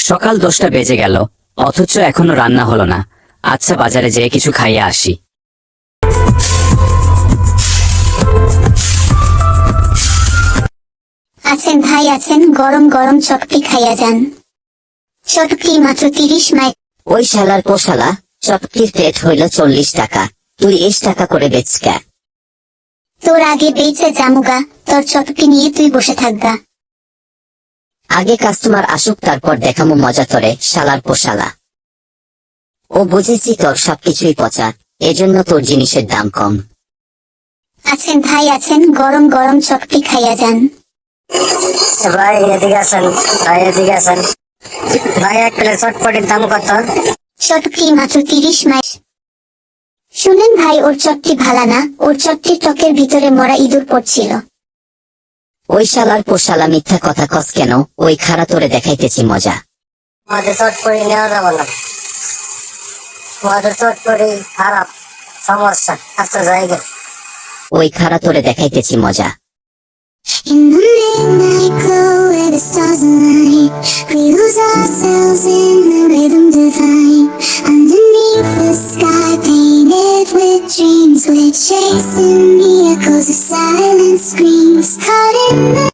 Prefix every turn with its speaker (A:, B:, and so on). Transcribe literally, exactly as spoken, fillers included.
A: সকাল দশটা বেজে গেল, অথচ এখনো রান্না হলো না। আচ্ছা, বাজারে যেয়ে কিছু খাইয়ে আসি।
B: আছেন ভাই আছেন, গরম গরম চটকি খাইয়া যান। চটকি মাত্র তিরিশ মাই।
C: ওই শালার পোশালা, চটকির প্লেট হইল চল্লিশ টাকা, তুই এস টাকা করে বেচকা।
B: তোর আগে বেচে জামুগা, তোর চটকি নিয়ে তুই বসে থাকগা।
C: আগে কাস্টমার আসুক, তারপর দেখামু মজা তোরে, শালার পোশালা। ও বুঝেছি তোর সবকিছুই পচা, এজন্য তোর জিনিসের দাম কম।
B: আছেন ভাই আছেন, গরম গরম চটকি খাইয়া যান।
D: ভাই এদিকে আসেন, ভাই এদিকে আসেন। ভাই এক প্লেট চটপটির দাম কত?
B: চটকি মাত্র তিরিশ মাই। শুনেন ভাই, ওর চটকি ভালা না, ওর চটকির টকের ভিতরে মরা ইঁদুর পড়ছিল।
C: ওই শালার পোশালা, মিথ্যা কথা কস কেন? ওই খাড়া তোরে দেখাইতেছি মজা।
D: আমাদের চটপটি নেওয়া যাবে না, আমাদের চটপটি খারাপ, সমস্যা। আচ্ছা জায়গা,
C: ওই খাড়া তোরে দেখাইতেছি মজা।
E: In the midnight glow where the stars align, we lose ourselves in the rhythm divine. Underneath the sky painted with dreams, we're chasing the echoes of silent screams, caught in the